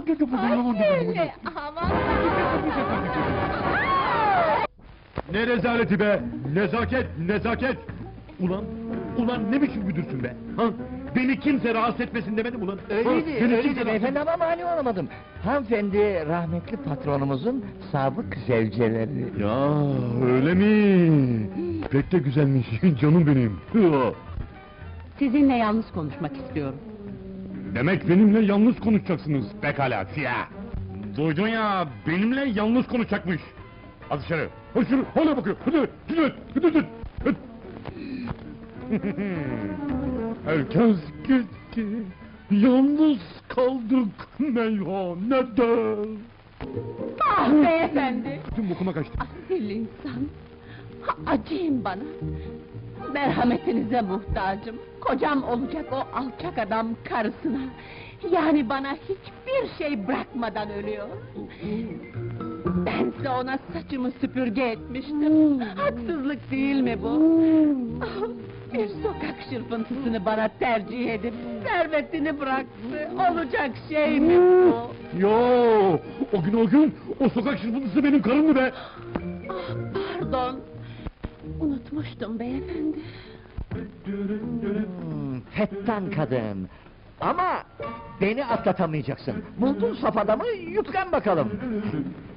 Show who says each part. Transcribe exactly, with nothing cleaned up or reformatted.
Speaker 1: Anne, aman.
Speaker 2: Ne rezaleti be! Nezaket, nezaket! Ulan, ulan ne biçim müdürsün be? Ha? Beni kimse rahatsız etmesin demedim ulan! Ha?
Speaker 3: Öyleydi,
Speaker 2: Beni kimse
Speaker 3: öyleydi
Speaker 2: rahatsız-
Speaker 3: beyefendi ama mani olamadım. Hanımefendi rahmetli patronumuzun sabık zevceleri.
Speaker 2: Ya öyle mi? Pek de güzelmiş, canım benim!
Speaker 1: Sizinle yalnız konuşmak istiyorum.
Speaker 2: Demek benimle yalnız konuşacaksınız, pekala siyah! Duydun ya, benimle yalnız konuşacakmış! Hadi dışarı, hadi şunu, hala bakıyor, hadi, hadi, hadi, hadi, hadi. Herkes gitti, yalnız kaldık meyhanede.
Speaker 1: Ah beyefendi!
Speaker 2: Tüm bokuma kaçtı.
Speaker 1: Asil insan! Ha, acıyın bana! Merhametinize muhtacım! Kocam olacak o alçak adam karısına! Yani bana hiçbir şey bırakmadan ölüyor! Bense ona saçımı süpürge etmiştim! Haksızlık değil mi bu? Ah, bir sokak şırfıntısını bana tercih edip servetini bıraktı! Olacak şey mi bu?
Speaker 2: Yo, o gün o gün, o sokak şırfıntısı benim karımdı be!
Speaker 1: Ah, pardon! Unutmuştum beyefendi!
Speaker 3: Hmm, fettan kadın. Ama beni atlatamayacaksın. Buldun saf adamı, yutkan bakalım.